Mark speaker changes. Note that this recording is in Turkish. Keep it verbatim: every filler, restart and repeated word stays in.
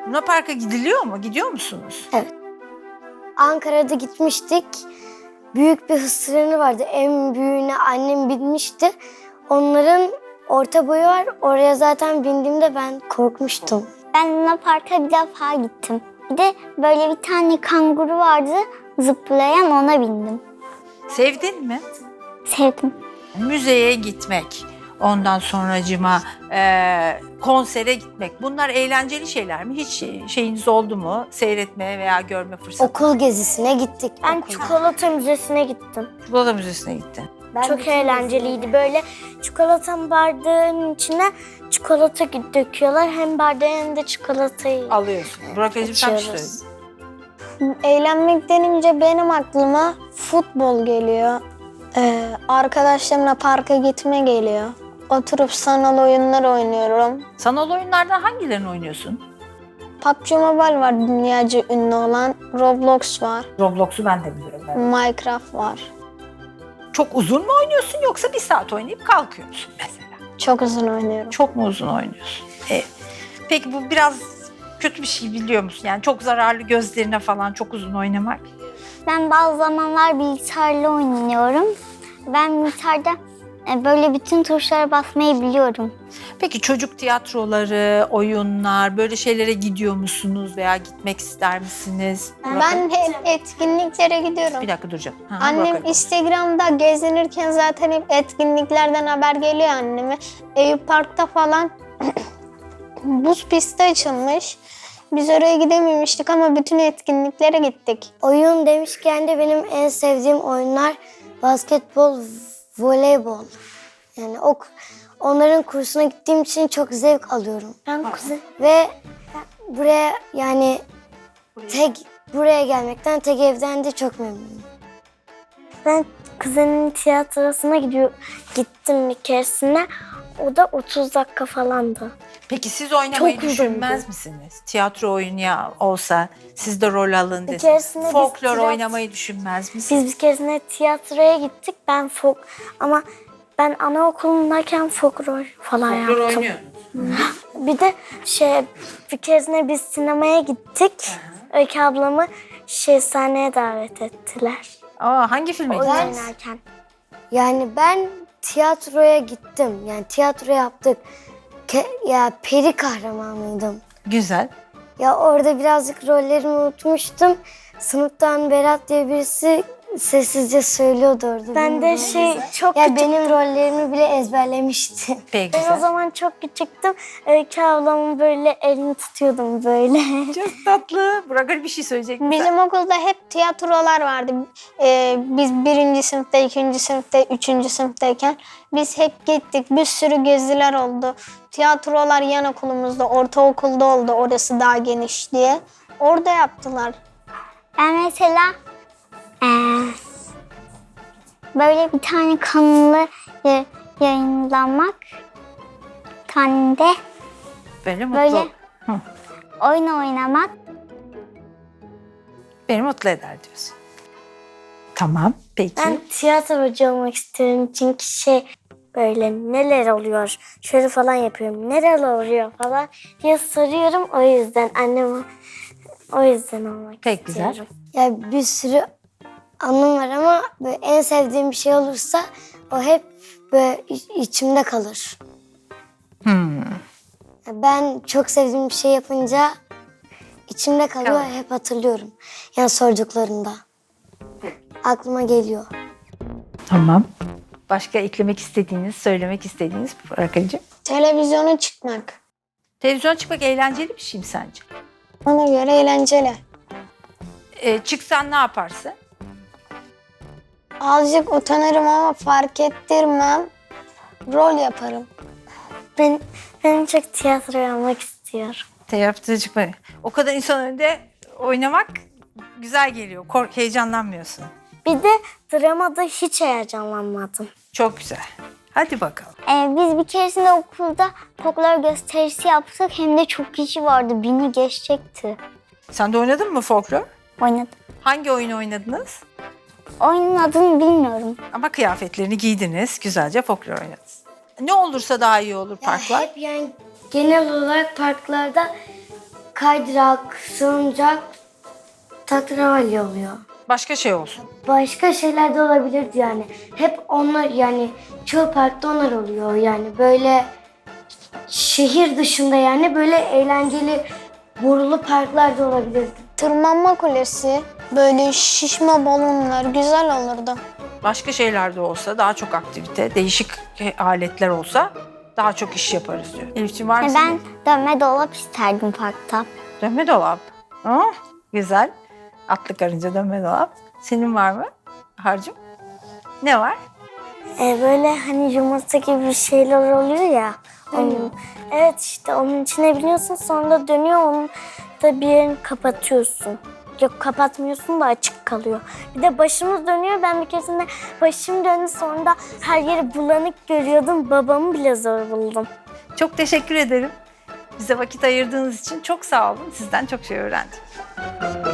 Speaker 1: Luna Park'a gidiliyor mu? Gidiyor musunuz?
Speaker 2: Evet. Ankara'da gitmiştik. Büyük bir hız treni vardı. En büyüğüne annem binmişti. Onların orta boyu var. Oraya zaten bindiğimde ben korkmuştum.
Speaker 3: Ben Luna Park'a bir defa gittim. Bir de böyle bir tane kanguru vardı, zıplayan, ona bindim.
Speaker 1: Sevdin mi?
Speaker 3: Sevdim.
Speaker 1: Müzeye gitmek, ondan sonracıma e, konsere gitmek. Bunlar eğlenceli şeyler mi? Hiç şeyiniz oldu mu? Seyretmeye veya görme fırsatı?
Speaker 2: Okul gezisine gittik.
Speaker 4: Ben
Speaker 2: okulda.
Speaker 4: çikolata müzesine gittim.
Speaker 1: Çikolata Müzesi'ne gitti.
Speaker 2: Ben
Speaker 4: Çok
Speaker 2: bütün
Speaker 4: eğlenceliydi. Böyle çikolata bardağın içine çikolata döküyorlar. Hem bardağı hem de çikolatayı.
Speaker 1: Alıyorsun. Burak Özüm sen bir şey
Speaker 4: Açıyoruz.
Speaker 1: söyle.
Speaker 5: Eğlenmek denince benim aklıma futbol geliyor. Ee, arkadaşlarımla parka gitme geliyor. Oturup sanal oyunlar oynuyorum.
Speaker 1: Sanal oyunlardan hangilerini oynuyorsun?
Speaker 5: P U B G Mobile var dünyaca ünlü olan. Roblox var.
Speaker 1: Roblox'u ben de biliyorum. Ben.
Speaker 5: Minecraft var.
Speaker 1: Çok uzun mu oynuyorsun yoksa bir saat oynayıp kalkıyor musun mesela?
Speaker 5: Çok uzun oynuyorum.
Speaker 1: Çok mu uzun oynuyorsun? E, peki bu biraz kötü bir şey biliyor musun? Yani çok zararlı gözlerine falan çok uzun oynamak.
Speaker 3: Ben bazı zamanlar bilgisayarla oynuyorum. Ben bilgisayarda e, böyle bütün tuşlara basmayı biliyorum.
Speaker 1: Peki çocuk tiyatroları, oyunlar böyle şeylere gidiyor musunuz veya gitmek ister misiniz?
Speaker 5: Ben hep etkinliklere gidiyorum.
Speaker 1: Bir dakika duracağım. Ha,
Speaker 5: Annem
Speaker 1: Burak-
Speaker 5: Instagram'da gezinirken zaten hep etkinliklerden haber geliyor anneme. Eyüp Park'ta falan buz pisti açılmış. Biz oraya gidememiştik ama bütün etkinliklere gittik.
Speaker 2: Oyun demişken de benim en sevdiğim oyunlar basketbol, voleybol. Yani o, onların kursuna gittiğim için çok zevk alıyorum.
Speaker 4: Ben kuzen.
Speaker 2: Ve buraya yani tek buraya gelmekten, tek evden de çok memnunum.
Speaker 4: Ben kuzenin tiyatrosuna gidiyor, gittim bir keresine. O da otuz dakika falandı.
Speaker 1: Peki siz oynamayı
Speaker 4: Çok uzundu.
Speaker 1: düşünmez misiniz? Tiyatro oyunu ya olsa siz de rol alın
Speaker 4: Bir keresinde
Speaker 1: deseniz.
Speaker 4: biz
Speaker 1: Folklor
Speaker 4: tiyatro-
Speaker 1: oynamayı düşünmez misiniz?
Speaker 4: Biz bir keresine tiyatroya gittik. Ben folk ama ben anaokulundayken folk rol falan
Speaker 1: Folklor
Speaker 4: yaptım.
Speaker 1: oynuyordunuz.
Speaker 4: Bir de şey bir keresine biz sinemaya gittik. Öykü ablamı şey sahneye davet ettiler.
Speaker 1: Aa, hangi filme
Speaker 4: Oyun
Speaker 1: gittiniz?
Speaker 4: oynarken.
Speaker 2: Yani ben tiyatroya gittim. Yani tiyatro yaptık. Ke- ya peri kahramanıydım.
Speaker 1: Güzel.
Speaker 2: Ya orada birazcık rollerimi unutmuştum. Sınıftan Berat diye birisi sessizce söylüyordu orada.
Speaker 4: Ben de şey çok
Speaker 2: Ya
Speaker 4: küçük.
Speaker 2: benim rollerimi bile ezberlemişti.
Speaker 1: Peki
Speaker 4: Ben o
Speaker 1: güzel.
Speaker 4: zaman çok küçüktüm. Öykü ablamın böyle elini tutuyordum böyle.
Speaker 1: Çok tatlı. Burak Ali bir şey söyleyecek misin?
Speaker 5: Bizim okulda hep tiyatrolar vardı. Ee, biz birinci sınıfta, ikinci sınıfta, üçüncü sınıftayken biz hep gittik. Bir sürü geziler oldu. Tiyatrolar yan okulumuzda, ortaokulda oldu. Orası daha geniş diye. Orada yaptılar.
Speaker 3: Ben mesela eee, böyle bir tane kanalı ya- yayınlamak, bir tane de
Speaker 1: Böyle mutlu.
Speaker 3: böyle
Speaker 1: Hı.
Speaker 3: oyun oynamak.
Speaker 1: Beni mutlu eder diyorsun. Tamam. Peki.
Speaker 4: Ben tiyatrocu olmak istiyorum çünkü şey böyle neler oluyor şöyle falan yapıyorum. Neler oluyor falan diye soruyorum, o yüzden anneme o yüzden olmak
Speaker 1: Pek
Speaker 4: istiyorum.
Speaker 1: güzel.
Speaker 2: Ya bir sürü anım var ama böyle en sevdiğim bir şey olursa o hep böyle iç- içimde kalır.
Speaker 1: Hmm.
Speaker 2: Ya ben çok sevdiğim bir şey yapınca içimde kalıyor,
Speaker 1: Kalır.
Speaker 2: hep hatırlıyorum. Yani sorduklarında. Aklıma geliyor.
Speaker 1: Tamam. Başka eklemek istediğiniz, söylemek istediğiniz Burak Ali'ciğim?
Speaker 5: Televizyona çıkmak.
Speaker 1: Televizyona çıkmak eğlenceli bir şey mi sence?
Speaker 5: Ona göre eğlenceli.
Speaker 1: Ee, çıksan ne yaparsın?
Speaker 5: Azıcık utanırım ama fark ettirmem. Rol yaparım.
Speaker 4: Ben, ben çok tiyatroya olmak istiyorum.
Speaker 1: Tiyatroya çıkmak. O kadar insan önünde oynamak güzel geliyor. Kork, heyecanlanmıyorsun.
Speaker 4: Bir de dramada hiç heyecanlanmadım.
Speaker 1: Çok güzel. Hadi bakalım.
Speaker 3: Eee, biz bir keresinde okulda folklor gösterisi yaptık. Hem de çok kişi vardı. Bini geçecekti.
Speaker 1: Sen de oynadın mı folklor?
Speaker 3: Oynadım.
Speaker 1: Hangi oyunu oynadınız?
Speaker 3: Oyunun adını bilmiyorum.
Speaker 1: Ama kıyafetlerini giydiniz. Güzelce folklor oynadınız. Ne olursa daha iyi olur parklar.
Speaker 2: Hep yani genel olarak parklarda kaydırak, salıncak, tatravalli oluyor.
Speaker 1: Başka şey olsun.
Speaker 2: Başka şeyler de olabilirdi yani. Hep onlar yani çoğu parkta onlar oluyor yani böyle şehir dışında yani böyle eğlenceli borulu parklar da olabilirdi.
Speaker 5: Tırmanma kulesi, böyle şişme balonlar güzel olurdu.
Speaker 1: Başka şeyler de olsa, daha çok aktivite, değişik aletler olsa daha çok iş yaparız diyor. Elif'ciğim var mı
Speaker 3: Ben
Speaker 1: senin?
Speaker 3: dönme dolap isterdim parkta.
Speaker 1: Dönme dolap. Oh, güzel. Atlı karınca dönme dolap. Senin var mı Harcım? Ne var?
Speaker 4: E, böyle hani yumurta gibi bir şeyler oluyor ya. Onun, evet işte onun içine biniyorsun sonra da dönüyor onu da bir yerini kapatıyorsun. Yok kapatmıyorsun da açık kalıyor. Bir de başımız dönüyor. Ben bir keresinde başım döndü sonra da her yeri bulanık görüyordum. Babamı bile zor buldum.
Speaker 1: Çok teşekkür ederim. Bize vakit ayırdığınız için çok sağ olun. Sizden çok şey öğrendim.